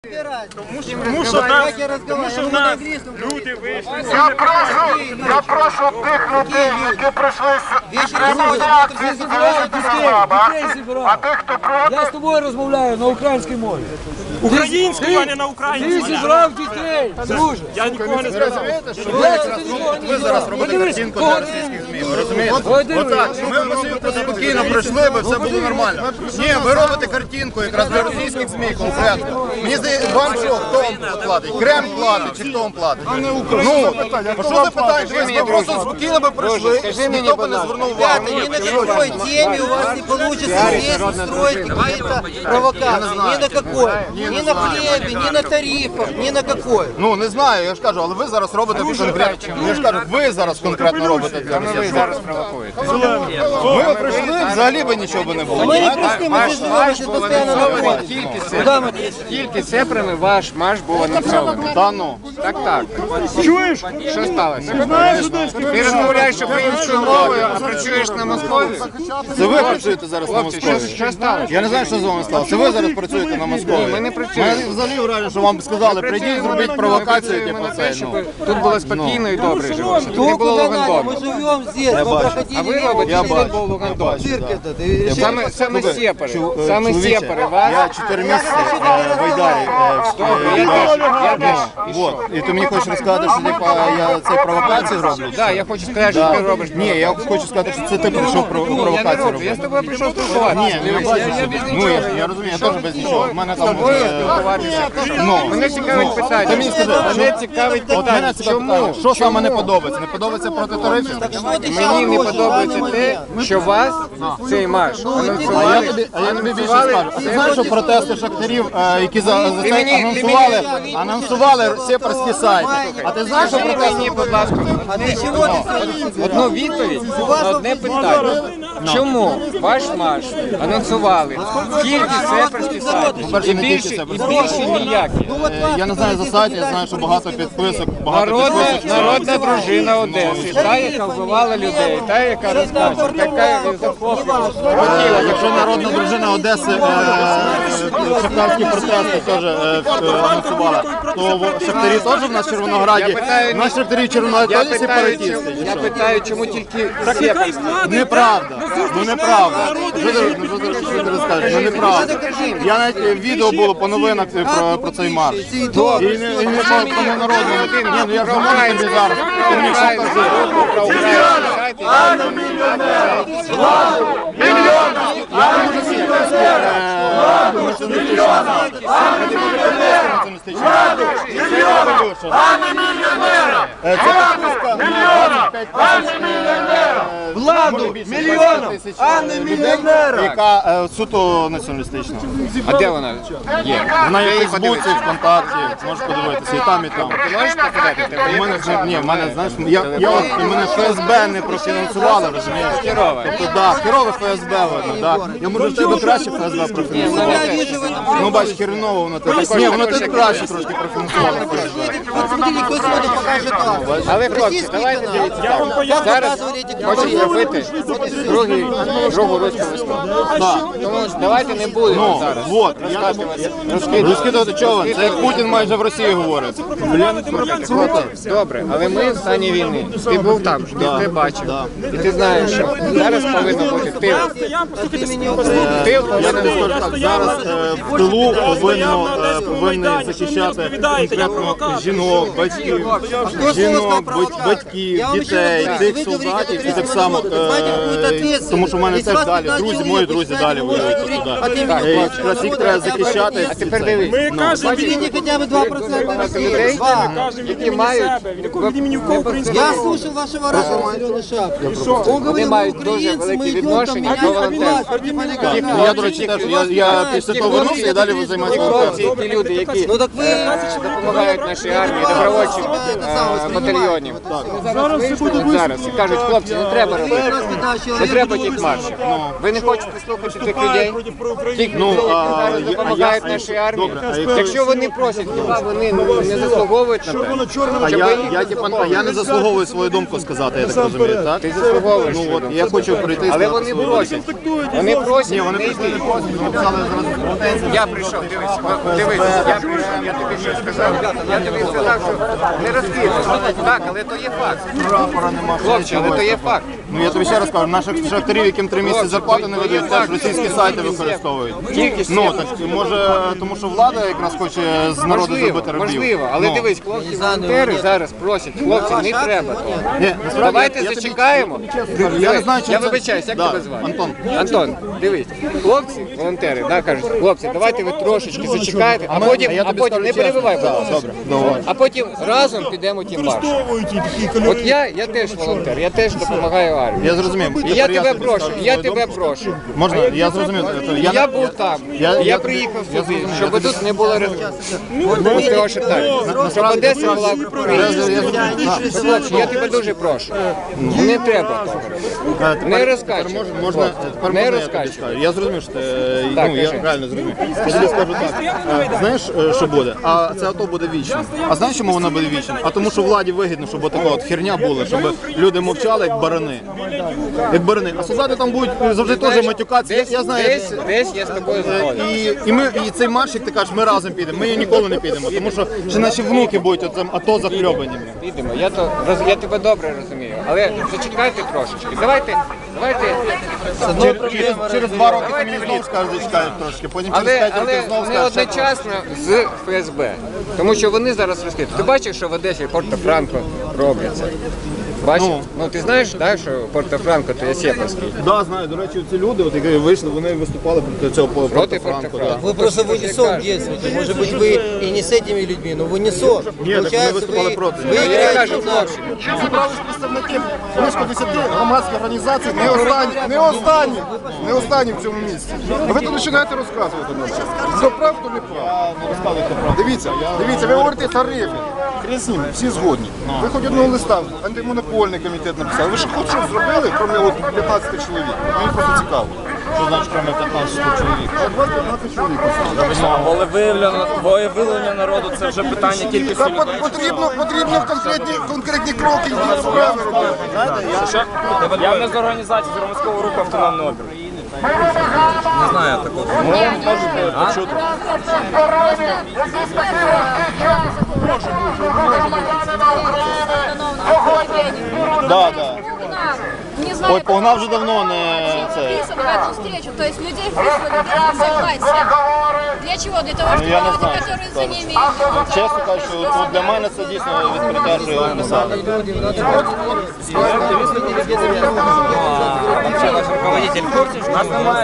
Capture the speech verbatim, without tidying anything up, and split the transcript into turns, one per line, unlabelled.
Тому що нас, тому що в нас люди вийшли.
Я прошу, я прошу тих людей, які прийшли з реалізації а тих, хто проти...
Я з тобою розмовляю на українській мові.
Українською, а не на українській.
Ти зібрав дітей, друже.
Я нікого не збирав.
Ви зараз робите картинку для російських ЗМІ, ви розумієте? Отак, ми спокійно пройшли би, все було нормально. Ні, ви робите картинку якраз для російських ЗМІ конкретно. Мені здається, вам що, хто вам платить? Крем платить чи хто вам платить? Ну, а що ви питаєте? Ви просто спокійно би пройшли, ніхто би не звернув увагу.
Ни на какой теме у вас не получится здесь устроить какие-то провокации. Ни на какой. Ни на хлебе, ни на тарифах, ни на какой.
Ну, не знаю, я ж кажу, але ви зараз робите конкретно. Я ж кажу, ви зараз конкретно робите для Росії. Ви зараз провокуєте. Ми прийшли, взагалі би нічого би не було.
Мы не пришли, мы здесь живем, здесь постоянно находимся. Куда мы здесь?
Тільки цифрами ваш марш був анонсований.
Та ну.
Так, так.
Чуєш?
Що сталося? Ти розмовляєш українською мовою, а працюєш на Москві?
Це ви працюєте зараз на
Хлопці,
Москві?
що, що сталося?
Я не знаю, що з вами сталося. Це ви зараз працюєте на Москві?
Ні, ми не працюємо.
Мене взагалі враження, що вам сказали, прийдіть, зробіть провокацію, типу це. Ну.
Тут було спокійно і добре жилося. Тут
Ну,
не було
куда надо?
Лугандону.
Мы живем здесь. Мы проходили
А ви
мимо.
робите,
Я
що тут
бачу.
був Лугандон.
Цирк этот. И решили-
Саме, саме сепари,
Чу-
саме
чоловіче,
сепари вас.
Я чотири місяці е, в Айдарі. е, в-
Добре, я теж, я теж.
Вот. І ти мені хочеш розказати, що типа, я цей провокацію роблю?
Так, я хочу сказати, що ти робиш.
Ні, я хочу сказати, що це ти прийшов про-
Я не
провокацію
роблю, я
робити.
з тобою прийшов спілкуватися.
Ні, не бачу собі. Ну, я, я розумію, я теж без нічого. В мене там...
Тобою
е,
спілкуватися.
Ну,
Мене цікавить питання.
Ти мені скажи,
Мене цікавить
От мене
питання.
цікавить
Чому?
питання, що саме не подобається? Не подобається проти тарифів?
Что ты сейчас
Мені не
хочешь в
подобається
данный
те,
момент?
що вас цей марш
А я
анонсували.
тобі, а я тобі більше скажу. А ти знаєш, що протести шахтарів, е, які за, за це
мені-
анонсували, анонсували сепарські сайти? А ти знаєш, що
Скажи
протести...
мені, будь ласка,
А для чего ты все
одну відповідь на одне питання. Чому ваш марш анонсували тільки сепарські сайти?
По-перше,
І
не тільки
більше, і
сепарські.
більше ніякі.
Е, Я не знаю за сайт, я знаю, що багато підписок, багато
Народна,
підписок.
народна дружина Одеси, та, яка вбивала людей, та, яка розказує, така захоплювала.
Е, Якщо народна дружина Одеси е, шахтарські протести теж е, е, анонсувала, то в- шахтарі теж в нас в Червонограді,
Я питаю,
в нас шахтарі в Червонограді
Я
теж
питаю,
сепаратисти.
чому-
чи
я
що?
питаю, чому тільки сепарські?
Неправда, ну неправда. Що ти, ну, що ти, що ти розкажеш? Ну неправда. Я навіть е, відео було по новинах е, про, про цей марш. І не, і не по тому народному. Ні, ну я ж говорю тобі зараз. Ти мені що кажи?
Владу, мільйонам, а не мільйонерам.
Яка е, суто націоналістична.
А де вона є?
Вона є в
Де її
Фейсбуці,
подивитися?
ВКонтакті, можеш подивитися, і там, і там.
Ти можеш показати? Тебе
У
є
мене вже, ні, в мене, знаєш, я, я,
Телефон?
от, мене ФСБ не профінансували, розумієш?
Херове.
Тобто, да, херове ФСБ видно, да. Я можу в тебе краще ФСБ профінансували.
Я вижу в этом.
Ну, бач, херово воно тебе. Ні, воно тебе краще трошки профінансувало ФСБ.
Вот смотрите, кто сегодня покажет вас.
Але, хлопці,
Российский
давайте
канал.
дивіться
Я вам
так.
поясню.
Зараз
Показывали эти
хочу
говорили.
зробити другий, другу руську весну.
Так.
Тому давайте не будемо
Ну,
зараз
вот, я тобі розкидувати чого? Це як Путін майже в Росії говорить.
Хлопці, добре, але ми в стані війни. Ти був там, ти це бачив. І ти знаєш, що зараз повинно бути тил. Тил
Я
повинен
тобі
бути.
скажу так, зараз е, в тилу повинно, е, повинні захищати конкретно жінок, батьків, жінок, бать- батьків, дітей, тих солдатів і так само, е, тому що в мене теж далі, друзі, мої друзі далі воюють туди. Е, Якраз їх треба захищати.
А тепер дивись.
Ми кажемо від
Видите хотя бы два процента
Багато
России.
людей,
Два.
які мають
від якого від імені кого українська
Я слушал вашего радио «Зеленый шаг». Он говорил, мы
мають дуже
украинцы,
велике
мы идем там
відношення
менять
до волонтерів.
власть против олигархов.
Ну, я, до речі, теж, я, я після того вернувся і далі займаюся
Ті хлопці,
волонтерством.
ті люди, які
Ну так вы...
допомагають нашій армії, добровольчим е, батальйонів. Зараз вийшли от зараз і кажуть, хлопці, не треба робити.
нас когда
Не
человек...
треба тих маршів. Ви не хочете слухати тих людей? Тих
Ну,
людей,
а,
які зараз
я-
допомагають
а я-
нашій армії.
добре, а якщо-
Якщо вони просять, хіба вони не заслуговують на те?
А
Щоб
я,
ви їх
я, типа, а я не заслуговую свою думку сказати, я так розумію, так?
Ти заслуговуєш.
Ну от, я хочу прийти і
Але
сказати
вони
свою
просять. Вони просять,
Ні, вони
не
прийшли
йди.
не просять, вони написали зразу претензії.
Я прийшов, дивись, от дивись, я прийшов, я тобі що сказав. Я тобі сказав, що не розкидуй. Так, але то є факт.
Прапора нема.
Хлопці, але то є факт.
Ну я тобі ще раз кажу, наших шахтарів, яким три місяці зарплати не видають, теж російські сайти використовують.
Тільки
Ну так може, тому що влада якраз хоче з народу
Можливо,
зробити рабів.
можливо, але
Ну.
дивись, хлопці волонтери зараз просять, хлопці, не треба того.
Ні, насправді,
Давайте
я тобі-
зачекаємо.
Я не знаю, чи
Я
це-
вибачаюсь, як
Да,
тебе звати?
Антон.
Антон, дивись, хлопці, волонтери, да, кажуть, хлопці, давайте ви трошечки зачекаєте, а
ми-
потім,
а я
а
тобі
потім
скажу
не
чесно.
перебивай, будь
Да,
ласка.
добре, давай.
А потім разом підемо тим маршем. От я, я теж волонтер, я теж допомагаю армії.
Я зрозумів.
І я
Тепер
тебе
тобі
прошу,
скажу
я
свою
тебе
думку.
прошу.
Можна, я зрозумів. це-
Я,
не-
був там,
я-
я,
я
приїхав
тобі- я
сюди,
зрозумів.
щоб
Я
тут не було того шатання. Щоб
Насправді,
Одеса була
я-
українською.
я зрозумів.
Хлопці, я тебе дуже прошу. Не треба того.
Е, тепер-
Не розкачуй.
тепер Можна, можна, тепер
Не
можна я тобі
розкачуй.
скажу. Я зрозумів, що ти, е,
Так,
ну, я
кажи.
реально зрозумів. Я тобі скажу так. Е, Знаєш, е, що буде? А це АТО буде вічно. А знаєш, чому воно буде вічно? А тому, що владі вигідно, щоб така от херня була, щоб люди мовчали, як барани. Як барани. А солдати там будуть завжди теж матюкатися. Я,
Десь,
я знаю,
десь, десь я з тобою згоден.
І, і ми і цей марш, як ти кажеш, ми разом підемо. Ми ніколи не підемо, тому що ще наші внуки будуть оцим АТО захльобані.
Підемо. Я то роз- я тебе добре розумію. Але зачекайте трошечки. Давайте, давайте.
Через, через, через два роки ти мені знову скажуть, зачекають трошки. Потім через
Але,
п'ять
але
років знову
не
скажуть. ще
одночасно з ФСБ. Тому що вони зараз розкриті. Ти бачиш, що в Одесі Порто-Франко робляться? Бачиш?
Ну.
Ну ти знаєш, так, що Порто-Франко то є сепарський.
Да, знаю. До речі, ці люди, от, які вийшли, вони виступали проти цього по
Проти
Порто-Франко.
Порто-Франко.
Вы просто в унисон действуете. Может быть, вы и не с этими людьми, но в унисон.
Нет, так мы выступали
вы,
против.
вы
Я
играете
кажу,
на-
хлопці,
Зібрались представники близько десяти громадських організацій, не останні, не останні, не останні в цьому місці. А ви тут починаєте розказувати нам. Хто прав, хто не прав. Не розказуйте прав. Дивіться, дивіться, ви говорите тарифи. Хрен з ним, всі згодні. Ви хоч одного листа, антимонопольний комітет написали. Ви ж хоч щось зробили, крім от п'ятнадцяти чоловік? Мені просто цікаво. Що значить, крім п'ятнадцяти чоловік? От вас п'ятнадцять чоловік.
Волевиявлення, волевиявлення народу це вже питання кількості
Та
людей.
пот- потрібно, потрібно конкретні, конкретні кроки і справи робити.
Що? Я не з організації з громадського руху автономний опір. Не знаю такого. Ну, можете почути.
Да, да.
Не знаю,
Ой, погнав вже давно не це.
вписан в эту встречу, то есть людей прислали для согласия. Для чего? Для того, чтобы
я не
люди,
знаю,
которые
що
за не имеют.
Чесно кажучи, от, от для мене це дійсно відкриття, що його писали.
Вообще ваш руководитель в курсі, що нас немає.